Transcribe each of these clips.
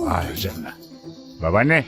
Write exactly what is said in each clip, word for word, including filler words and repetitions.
Ay canına. Babaanne.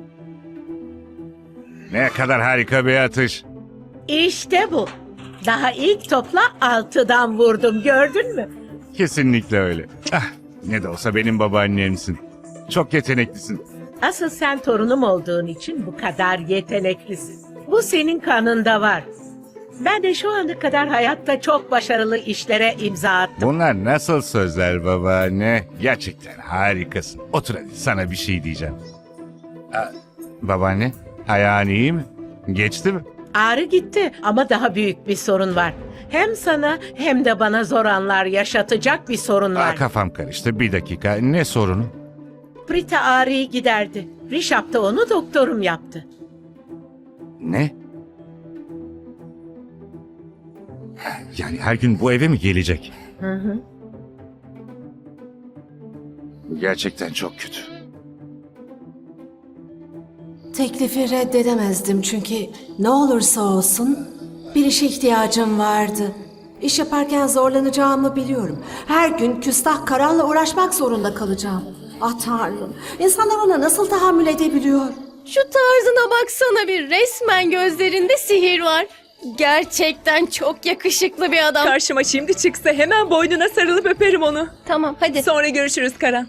Ne kadar harika bir atış. İşte bu. Daha ilk topla altıdan vurdum, gördün mü? Kesinlikle öyle. Ah, ne de olsa benim babaannemsin. Çok yeteneklisin. Asıl sen torunum olduğun için bu kadar yeteneklisin. Bu senin kanında var. Ben de şu ana kadar hayatta çok başarılı işlere imza attım. Bunlar nasıl sözler babaanne? Gerçekten harikasın. Otur hadi, sana bir şey diyeceğim. Aa, babaanne, ayağın iyi mi? Geçti mi? Ağrı gitti ama daha büyük bir sorun var. Hem sana hem de bana zor anlar yaşatacak bir sorun Aa, var. kafam karıştı. Bir dakika. Ne sorunu? Prita ağrıyı giderdi. Rişap da onu doktorum yaptı. Ne? Yani her gün bu eve mi gelecek? Hı hı. Bu gerçekten çok kötü. Teklifi reddedemezdim çünkü ne olursa olsun bir işe ihtiyacım vardı. İş yaparken zorlanacağımı biliyorum. Her gün küstah Karan'la uğraşmak zorunda kalacağım. Ah Tanrım, insanlar ona nasıl tahammül edebiliyor? Şu tarzına baksana bir, resmen gözlerinde sihir var. Gerçekten çok yakışıklı bir adam. Karşıma şimdi çıksa hemen boynuna sarılıp öperim onu. Tamam hadi. Sonra görüşürüz Karan.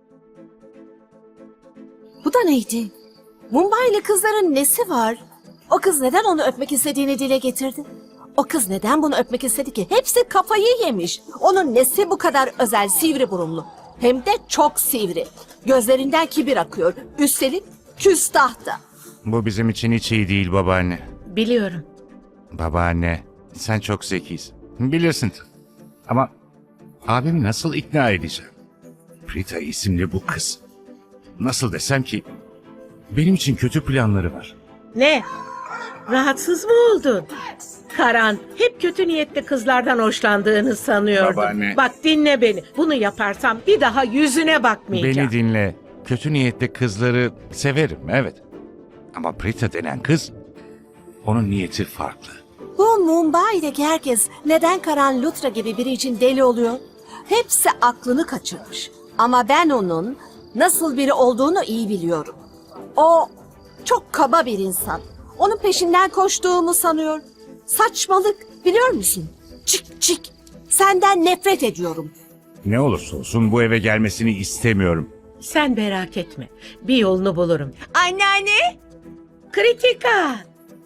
Bu da neydi? Mumbai'li kızların nesi var? O kız neden onu öpmek istediğini dile getirdi? O kız neden bunu öpmek istedi ki? Hepsi kafayı yemiş. Onun nesi bu kadar özel, sivri burunlu? Hem de çok sivri. Gözlerinden kibir akıyor. Üstelik küstah da. Bu bizim için hiç iyi değil babaanne. Biliyorum. Babaanne, sen çok zekisin. Bilirsin. Ama abimi nasıl ikna edeceğim? Prita isimli bu kız. Nasıl desem ki benim için kötü planları var. Ne? Rahatsız mı oldun? Karan, hep kötü niyetli kızlardan hoşlandığını sanıyordum. Babaanne. Bak dinle beni. Bunu yaparsam bir daha yüzüne bakmayacağım. Beni dinle. Kötü niyetli kızları severim, evet. Ama Prita denen kız, onun niyeti farklı. Bu Mumbai'deki herkes neden Karan Lutra gibi biri için deli oluyor? Hepsi aklını kaçırmış. Ama ben onun nasıl biri olduğunu iyi biliyorum. O çok kaba bir insan. Onun peşinden koştuğumu sanıyor. Saçmalık, biliyor musun? Çık çık. Senden nefret ediyorum. Ne olursa olsun bu eve gelmesini istemiyorum. Sen merak etme. Bir yolunu bulurum. Anneanne. Kritika!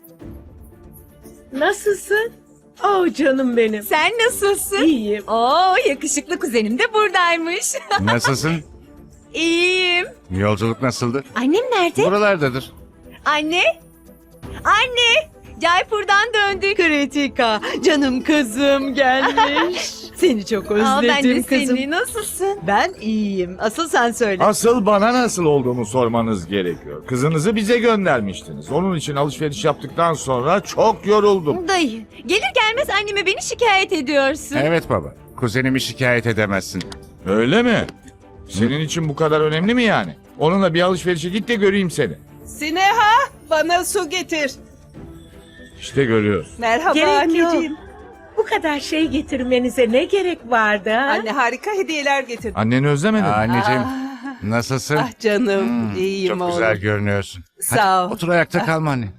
Nasılsın? Oh canım benim. Sen nasılsın? İyiyim. Oo, yakışıklı kuzenim de buradaymış. Nasılsın? İyiyim. Yolculuk nasıldı? Annem nerede? Buralardadır. Anne. Anne. Jaipur'dan döndük. Kritika, canım kızım gelmiş. Seni çok özledim Aa, ben de kızım. seni. Nasılsın? Ben iyiyim. Asıl sen söyle. Asıl bana nasıl olduğumu sormanız gerekiyor. Kızınızı bize göndermiştiniz. Onun için alışveriş yaptıktan sonra çok yoruldum. Dayı, gelir gelmez anneme beni şikayet ediyorsun. Evet baba. Kuzenimi şikayet edemezsin. Öyle mi? Senin için bu kadar önemli mi yani? Onunla bir alışverişe git de göreyim seni. Sineha, bana su getir. İşte görüyorsun. Merhaba Gerek anneciğim. yok. Bu kadar şey getirmenize ne gerek vardı ha? Anne harika hediyeler getirdim. Anneni özlemedin mi? Anneciğim, nasılsın? Ah canım, iyiyim Çok oğlum. güzel görünüyorsun. Sağ Hadi, ol. otur ayakta kalma anne.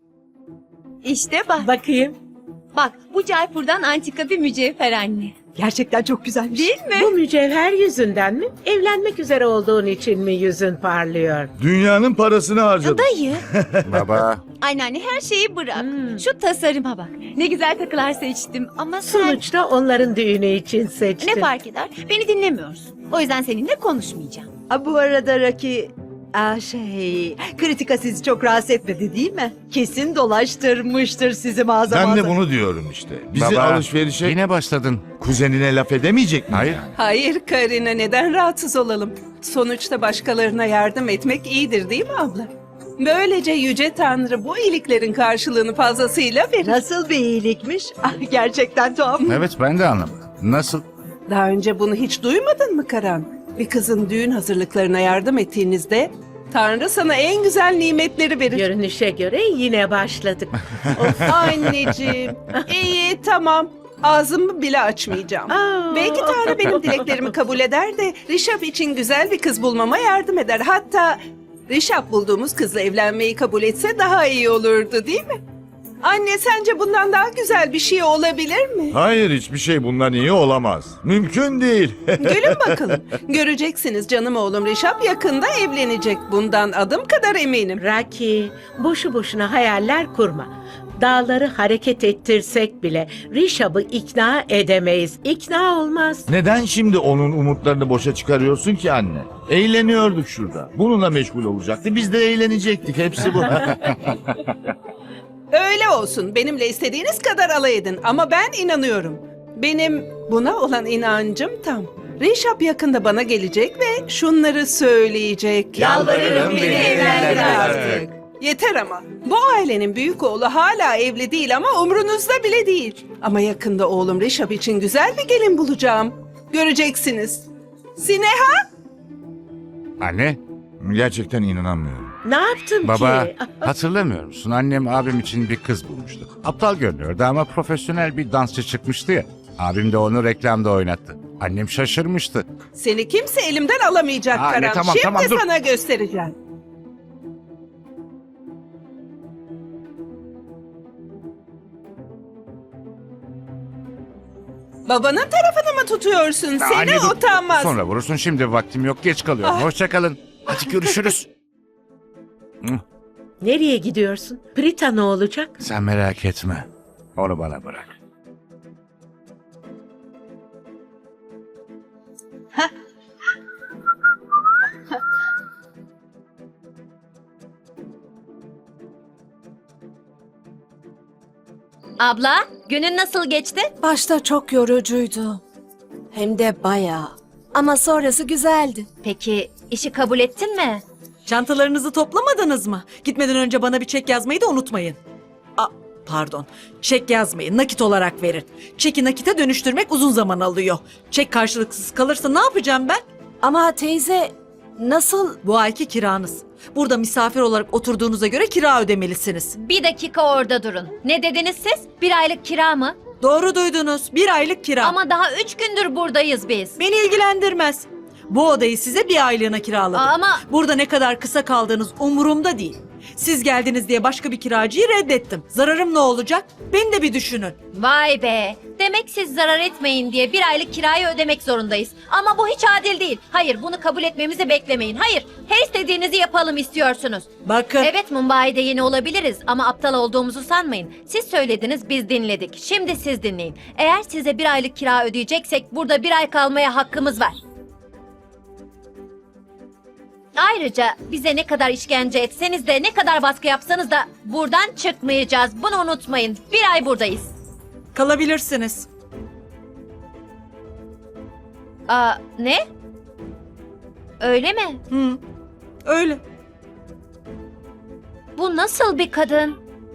İşte bak. Bakayım. Bak, bu Jaipur'dan antika bir mücevher anne. Gerçekten çok güzelmiş. Değil mi? Bu mücevher yüzünden mi? Evlenmek üzere olduğun için mi yüzün parlıyor? Dünyanın parasını harcadım. Dayı. Baba, Anneanne her şeyi bırak. Hmm. Şu tasarıma bak. Ne güzel takılar seçtim ama sen... Sonuçta onların düğünü için seçtin. Ne fark eder? Beni dinlemiyorsun. O yüzden seninle konuşmayacağım. Aa, bu arada Raki... Aa, şey, Kritika sizi çok rahatsız etmedi değil mi? Kesin dolaştırmıştır sizi mağaza Ben de mağaza. bunu diyorum işte. Bizi baba, alışverişe yine başladın. kuzenine laf edemeyecek mi? Hayır. yani? Hayır Karina, neden rahatsız olalım? Sonuçta başkalarına yardım etmek iyidir değil mi abla? Böylece Yüce Tanrı bu iyiliklerin karşılığını fazlasıyla verir. Nasıl bir iyilikmiş? Ah, gerçekten tuhaf. Evet, ben de anlamadım. Nasıl? Daha önce bunu hiç duymadın mı Karan? Bir kızın düğün hazırlıklarına yardım ettiğinizde Tanrı sana en güzel nimetleri verir. Görünüşe göre yine başladık. Of anneciğim. İyi tamam. ağzımı bile açmayacağım. Aa. Belki Tanrı benim dileklerimi kabul eder de Rişap için güzel bir kız bulmama yardım eder. Hatta Rişap bulduğumuz kızla evlenmeyi kabul etse daha iyi olurdu, değil mi? Anne, sence bundan daha güzel bir şey olabilir mi? Hayır, hiçbir şey bundan iyi olamaz. Mümkün değil. Gülün bakalım. Göreceksiniz, canım oğlum Rişap yakında evlenecek. Bundan adım kadar eminim. Raki, boşu boşuna hayaller kurma. Dağları hareket ettirsek bile Rişab'ı ikna edemeyiz. İkna olmaz. Neden şimdi onun umutlarını boşa çıkarıyorsun ki anne? Eğleniyorduk şurada. Bununla meşgul olacaktı. Biz de eğlenecektik. Hepsi bu. Öyle olsun. Benimle istediğiniz kadar alay edin. Ama ben inanıyorum. Benim buna olan inancım tam. Rişap yakında bana gelecek ve şunları söyleyecek. Yalvarırım, beni evlendir artık. Yeter ama. Bu ailenin büyük oğlu hala evli değil ama umrunuzda bile değil. Ama yakında oğlum Rişap için güzel bir gelin bulacağım. Göreceksiniz. Sineha? Anne, Gerçekten inanamıyorum. Ne yaptım baba ki? hatırlamıyor musun? Annem abim için bir kız bulmuştu. Aptal görünüyordu ama profesyonel bir dansçı çıkmıştı ya. Abim de onu reklamda oynattı. Annem şaşırmıştı. Seni kimse elimden alamayacak Anne, Karan. tamam, Şimdi tamam, dur. sana göstereceğim. Babanın tarafını mı tutuyorsun? Seni Anne, dur. utanmaz. Sonra vurursun, şimdi vaktim yok, geç kalıyorum. Ah. Hoşçakalın. Hadi görüşürüz. Hı, Nereye gidiyorsun? Prita ne olacak? Sen merak etme. Onu bana bırak. Abla, günün nasıl geçti? Başta çok yorucuydu. Hem de bayağı. Ama sonrası güzeldi. Peki işi kabul ettin mi? Çantalarınızı toplamadınız mı? Gitmeden önce bana bir çek yazmayı da unutmayın. A, pardon. Çek yazmayın. Nakit olarak verin. Çeki nakite dönüştürmek uzun zaman alıyor. Çek karşılıksız kalırsa ne yapacağım ben? Ama teyze nasıl... Bu ayki kiranız. Burada misafir olarak oturduğunuza göre kira ödemelisiniz. Bir dakika orada durun. Ne dediniz siz? Bir aylık kira mı? Doğru duydunuz. Bir aylık kira. Ama daha üç gündür buradayız biz. Beni ilgilendirmez. Bu odayı size bir aylığına kiraladım. Ama- Burada ne kadar kısa kaldığınız umurumda değil. Siz geldiniz diye başka bir kiracıyı reddettim. Zararım ne olacak? Beni de bir düşünün. Vay be. Demek siz zarar etmeyin diye bir aylık kirayı ödemek zorundayız. Ama bu hiç adil değil. Hayır, bunu kabul etmemizi beklemeyin. Hayır, her istediğinizi yapalım istiyorsunuz. Bakın. Evet, Mumbai'de yeni olabiliriz ama aptal olduğumuzu sanmayın. Siz söylediniz, biz dinledik. Şimdi siz dinleyin. Eğer size bir aylık kira ödeyeceksek burada bir ay kalmaya hakkımız var. Ayrıca bize ne kadar işkence etseniz de ne kadar baskı yapsanız da buradan çıkmayacağız. Bunu unutmayın. Bir ay buradayız. Kalabilirsiniz. Aa, ne? Öyle mi? Hı, öyle. Bu nasıl bir kadın?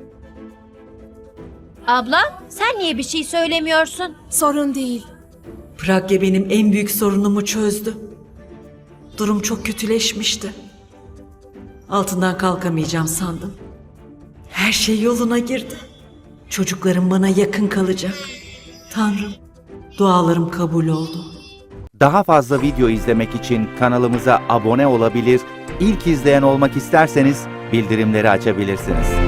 Abla, sen niye bir şey söylemiyorsun? Sorun değil. Pragya benim en büyük sorunumu çözdü. Durum çok kötüleşmişti. Altından kalkamayacağım sandım. Her şey yoluna girdi. Çocuklarım bana yakın kalacak. Tanrım, dualarım kabul oldu. Daha fazla video izlemek için kanalımıza abone olabilir, ilk izleyen olmak isterseniz bildirimleri açabilirsiniz.